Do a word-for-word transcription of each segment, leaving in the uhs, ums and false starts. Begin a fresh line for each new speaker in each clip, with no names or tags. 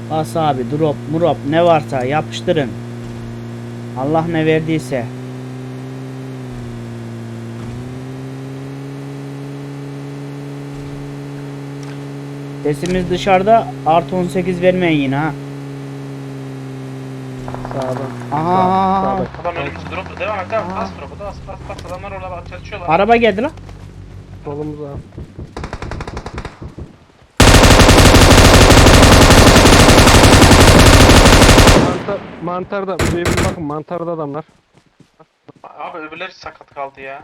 Bas abi, drop murop ne varsa yapıştırın. Allah ne verdiyse. Sesimiz dışarıda, artı on sekiz vermeyin yine ha.
Sağdan.
Aha.
Sağda.
Adam önümüzde drop. Devam et devam.
Aa.
Bas drop'u. Bas bas bas. Adamlar orada bak çalışıyorlar.
Araba geldi lan.
Solumuza. Mantar, mantarda. Buraya bir bakın, mantarda adamlar.
Abi öbürleri sakat kaldı ya.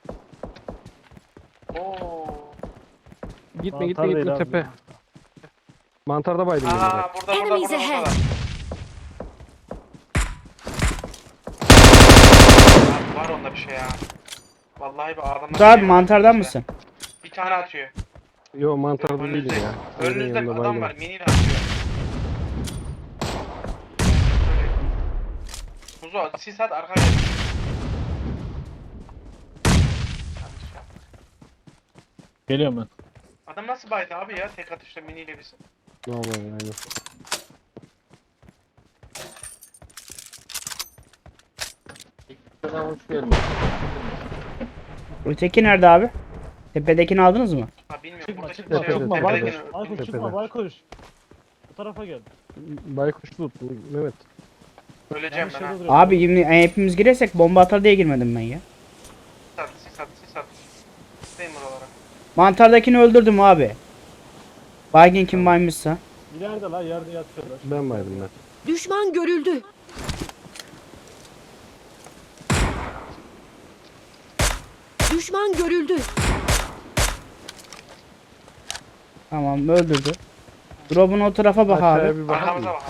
Oo.
Gitme
Mantar
gitme
değil
gitme
abi.
tepe. Mantarda baydım.
Aa
ben.
burada burada
Enemies
burada
ahead.
burada. Abi var onda bir şey ya. Vallahi bir adamlar.
Dur abi, mantardan mısın?
Bir tane atıyor.
Yo mantarda değilim
Önünüzde.
ya.
Önünüzde bir
Yanında
adam
baydım.
var. Miniyle atıyor. Muzo sis at arkaya.
Geliyorum ben.
Adam nasıl baydı abi ya tek atışla miniyle biz.
Normal aynen.
Öteki nerede abi? Tepedekini aldınız mı?
Ha bilmiyorum
Çıkma
burada
çıkma
kimse yok.
çıkma.
Tepede,
Baykuş.
Tepedekini
Baykuş çıkma
Tepede.
baykuş. Bu tarafa gel.
Baykuş tut Mehmet.
öleceğim
Yanlış
ben
yerde
ha.
duruyor.
Abi şimdi hepimiz girersek bomba atar diye girmedim ben ya.
Sis at sis at sis at. Sisteyim buralara.
Mantardakini öldürdüm abi. Baygın kim baymışsa.
İleride la yerde yatıyorlar.
Ben baydım ben.
Düşman görüldü. Düşman görüldü.
Tamam, öldürdü. Drop'un o tarafa bak
Aşağıya
abi.
bir bakalım.
Arkamıza
mı?
bakalım.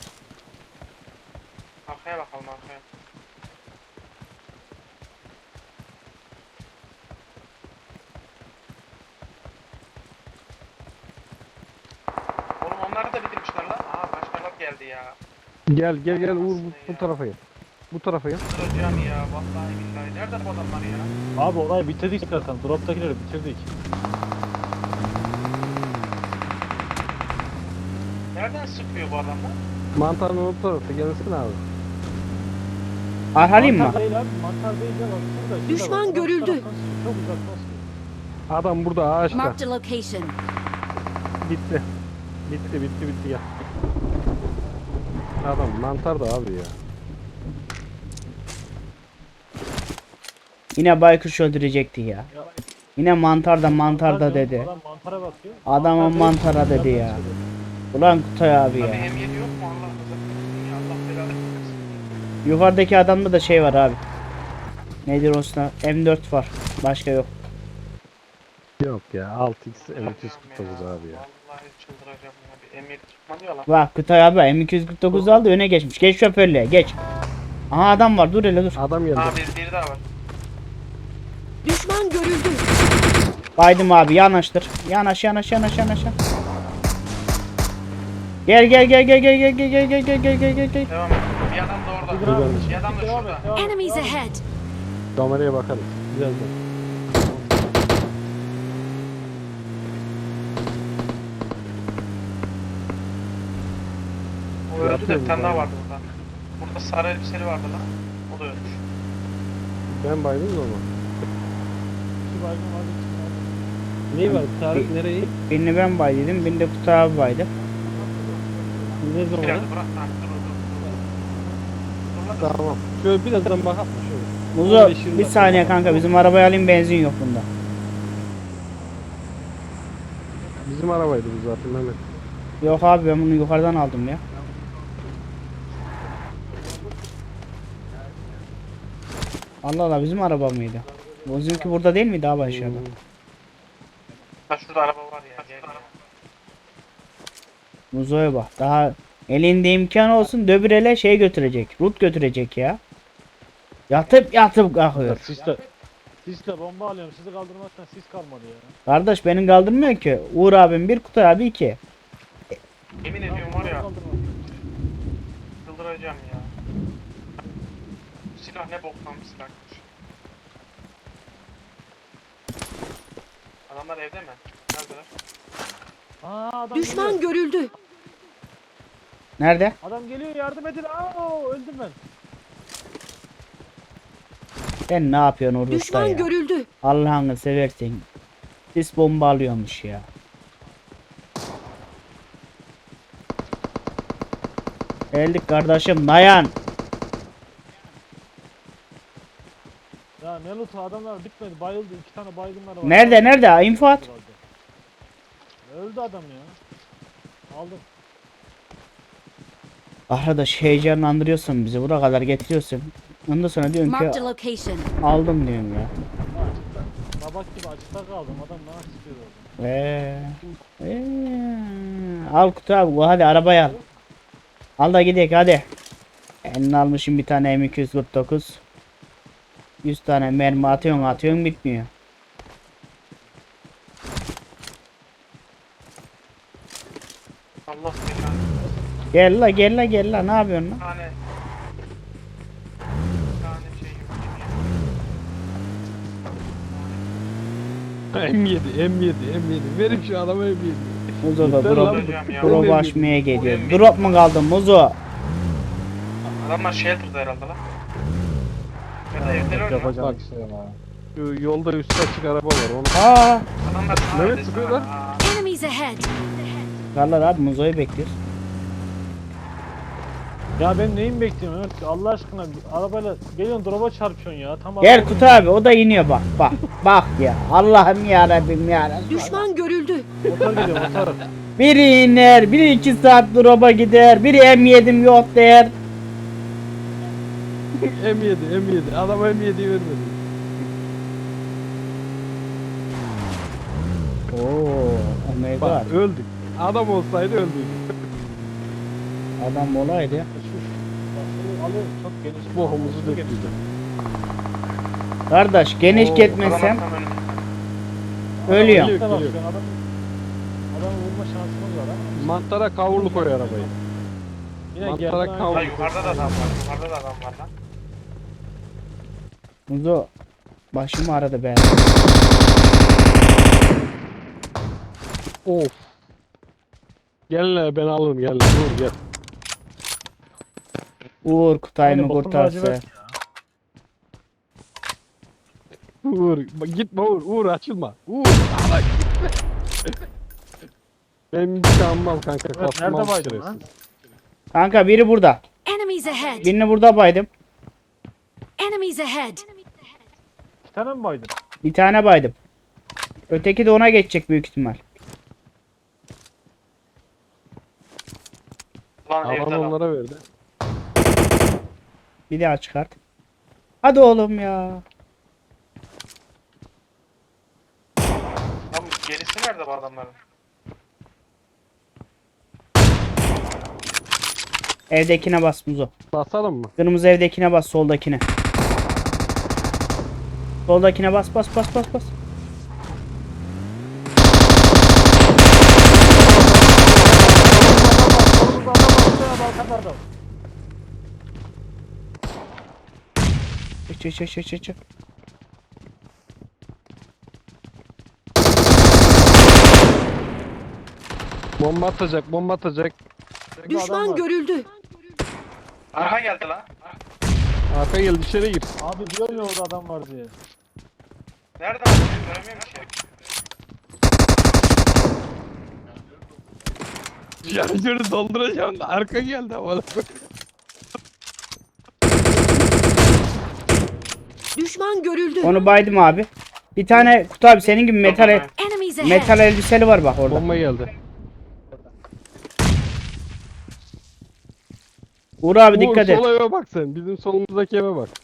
Arkaya bakalım arkaya. Oğlum onları da bitirmişler lan. Aa başkaları geldi ya.
Gel gel gel Uğur bu, bu tarafa gel. Bu tarafa gel.
Kıracağım ya vallahi billahi. Nerede bu adamlar ya?
Abi orayı bitirdik zaten. Drop'takileri bitirdik.
Nereden sıkıyor bu adamlar?
Mantarın o tarafta gelsin abi.
Arhalayım mı?
Mantar değil abi. Mantar değil ya bak şurada. şurada
Düşman
bak.
görüldü.
Taraftan sıkıyor, çok uzaktan sıkıyor.
Adam burada ağaçta.
Marked a location.
Bitti. Bitti bitti bitti gel. Adam mantar da abi ya.
Yine baykuş öldürecekti ya.
Ya,
Yine mantarda mantarda
mantar diyorum,
dedi.
Adam mantara bakıyor.
Adamın
Mantar değil,
mantara dedi
uzaktan
ya.
sıkıyor.
Ulan Kutay abi
Abi
ya.
M yedi yok mu Allah razı olsun ya Allah belanı versin.
Yukarıdaki adamda da şey var abi. Nedir olsun? M dört var. Başka yok.
Yok ya altı x M iki yüz kırk dokuz abi ya.
Vallahi çıldıracağım ya. Bir M yedi çıkmadı ya lan.
Bak Kutay abi M iki yüz kırk dokuz aldı, öne geçmiş. Geç şoförlüğe geç. Aha adam var, dur hele dur.
Adam geldi.
Aa bir, bir daha var.
Düşman görüldü.
Baydım abi, yanaştır. Yanaş yanaş yanaş yanaş. Gel gel gel gel gel gel gel gel gel gel gel gel gel gel.
Devam et. Bir adam da orada.
Dur abi,
Bir adam da
devam
şurada.
et, devam et,
Enemies
devam et.
ahead.
Kameraya bakarız. Birazdan.
O öldü de
Yapıyorum
bir tane daha
ben.
vardı burada. Burada sarı elbiseli vardı lan. O da ölmüş.
Ben baydım da onu.
İki baygın var, iki baygın.
Neyi var? Tarık nereyi?
Birini ben baydım, birini de Kutay abi baydı.
Ne zaman?
Biraz bırak. Ha, dur dur dur. Dur lan.
Tamam. Şöyle birazdan bakalım şöyle.
Muzo
on beş yirmi
bir
dakika.
saniye kanka, bizim arabayı alayım, benzin yok bunda.
Bizim arabaydı bu zaten Mehmet.
Yok abi, ben bunu yukarıdan aldım ya. Allah Allah, bizim araba mıydı? Bizimki burada değil miydi abi aşağıda?
Ha şurada araba var ya. Gel ya.
Muzo'ya bak, daha elinde imkan olsun döbürele şey götürecek, rut götürecek ya. Yatıp yatıp kalkıyor.
Sisle. Sisle bomba alıyorum. Sizi kaldırmaktan sis kalmadı ya.
Kardeş benim kaldırmıyor ki. Uğur abim bir, Kutay abi iki.
Yemin ediyorum var ya.
Kaldırma.
Çıldıracağım ya. Silah ne boktan bir silahmış. Adamlar evde mi? Neredeler?
Aa, adam
Düşman
geliyor.
görüldü.
Nerede?
Adam geliyor yardım edin. Aa, öldüm ben.
Sen ne yapıyorsun orada
Düşman
ya?
görüldü.
Allah'ını seversen. Sis bomba alıyormuş ya. Geldik kardeşim dayan.
Ya ne loot'u adamlar bitmedi. Bayıldı. İki tane baygınlar var.
Nerede nerede? İnfo at.
Öldü adam ya. Aldım.
Arkadaş heyecanlandırıyorsun bizi. Buraya kadar getiriyorsun. Ondan sonra diyorsun
Marked
ki
a location.
aldım diyorum ya.
Babak gibi açıkta kaldım. Adam bana sıkıyor orada.
Eee. Eee. Al kutu abi. Hadi arabaya al. Al da gidelim hadi. Eline almışım bir tane M iki yüz kırk dokuz. yüz tane mermi atıyorsun atıyorsun bitmiyor.
Allah belanı.
Gel la gel la gel la ne yapıyorsun lan?
Bir tane. Bir tane şey yok.
M yedi, M yedi, M yedi. Verin şu adama M yedi.
Muzo da
Yeter
drop,
lan.
Hocam ya.
drop
Öyle
açmaya geliyor.
Öyle
Drop mu kaldı Muzo?
Adamlar shelter'da herhalde lan. Ya da evdeler öyle lan.
Bak şu yolda üstü açık araba var. Onu
Aa.
Adamlar sana
Mehmet
desene.
sıkıyor lan.
Aa,
Enemies ahead.
Karlar abi Muzo'yu bekliyoruz.
Ya ben neyin bekliyorum Ömer? Allah aşkına arabayla geliyorsun drop'a çarpıyorsun ya. Tam
Gel
araba-
Kutu abi o da iniyor bak bak bak ya. Allah'ım ya Rabbim ya Rabbim.
Düşman görüldü.
Motor geliyor motor.
Biri iner, biri iki saat drop'a gider, biri M yedim yok der.
M yedi, M yedi. Adama M yediyi vermedi.
Oo, oh my
Bak
god.
öldük. Adam olsaydı öldük.
Adam olaydı.
Bak, alıyor çok geniş.
Bohumuzu döktüydü.
Kardeş geniş
Oo,
gitmesem
adam tam önümüzde.
ölüyorum.
Geliyor,
Bak,
geliyor.
şu an adam, adamı vurma şansımız var ama.
Mantara kavurlu koy arabayı.
Yine
Mantara
geldi.
kavga-
Lan yukarıda da adam var. Yukarıda da adam var lan.
Muzo başımı aradı be.
Of. Gel lan ben alırım gel. Dur gel.
Uğur Kutay
Aynı
mı
bokun
kurtarsa.
lacivert.
Uğur bak gitme Uğur. Uğur açılma. Uğur. Ala gitme. Benim intikamım al kanka.
Evet,
Kastım
nerede
al
baydın
şerefsiz.
lan?
Kanka biri burada.
Enemies ahead.
Birini burada baydım.
Enemies ahead.
İki tane mi baydın?
Bir tane baydım. Öteki de ona geçecek büyük ihtimal.
Lan evde
Alan
adam.
onlara verdi.
Bir daha çıkart. Hadi oğlum ya.
Lan gerisi nerede bu adamların?
Evdekine bas Muzo.
Basalım mı?
Kırmızı evdekine bas soldakine. Soldakine bas bas bas bas bas.
Solumuzda adam var. Bir tane balkan adam.
Çık çık çık çık çık.
Bomba atacak, bomba atacak.
Burada adam
Düşman
var.
görüldü.
Arka geldi lan.
Arka gel içeri gir.
Abi diyor ya orada adam var diye.
Nerede lan? Ben göremiyorum ki.
Şarjörü dolduracağım da arka geldi ama.
Düşman görüldü.
Onu baydım abi. Bir tane Kutu abi senin gibi metal el-
Enemies ahead.
metal elbiseli var bak orada.
Bomba geldi.
Uğur abi
Uğur,
dikkat et.
Sol eve bak sen. Bizim solumuzdaki eve bak.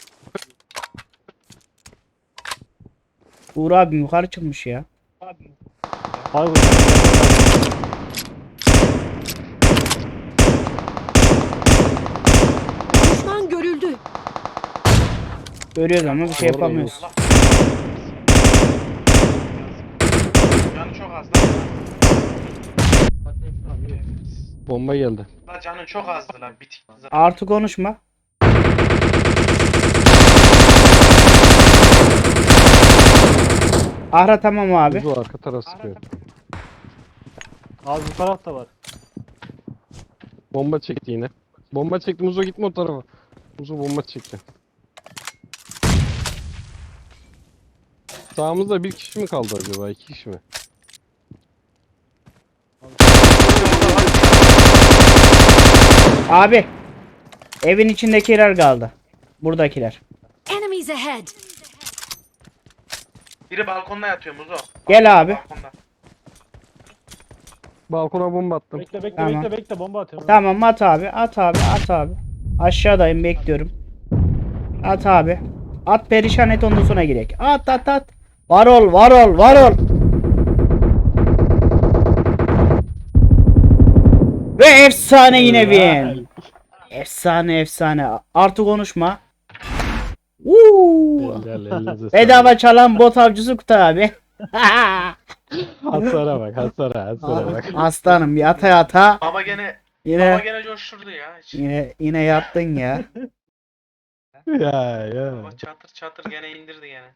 Uğur abi yukarı çıkmış ya.
Abi
Düşman görüldü.
Görüyoruz ama bir şey
Doğru,
yapamıyoruz.
Allah. Canı çok az lan.
Bomba geldi.
La canı çok azdı lan. Bitik.
Artı konuşma. Ahra tamam abi.
Bu arka taraf sıkıyor.
Abi bu tarafta var.
Bomba çekti yine. Bomba çekti. Muzo gitme o tarafa. Muzo bomba çekti. Sağımızda bir kişi mi kaldı acaba? İki kişi mi?
Abi. Evin içindekiler kaldı. Buradakiler.
Enemies ahead!
Biri balkonda yatıyor Muzo.
Gel abi.
Balkonda.
Balkona bomba attım.
Bekle bekle
Tamam.
bekle bekle bomba atıyorum.
Tamam at abi. At abi. At abi. Aşağıdayım bekliyorum. At abi. At perişan et ondan sonra girek. At at at. Var ol var ol var ol. Ve efsane yine win. Efsane efsane. Artık konuşma. Uuu.
Eller elinize sağlık.
Bedava çalan bot avcısı Kutu abi.
Hasara bak hasara hasara bak.
Aslanım yata yata.
Baba gene baba
Yine
gene coşturdu ya. Hiç.
yine yine yattın ya.
Ya ya.
Baba çatır çatır gene indirdi gene.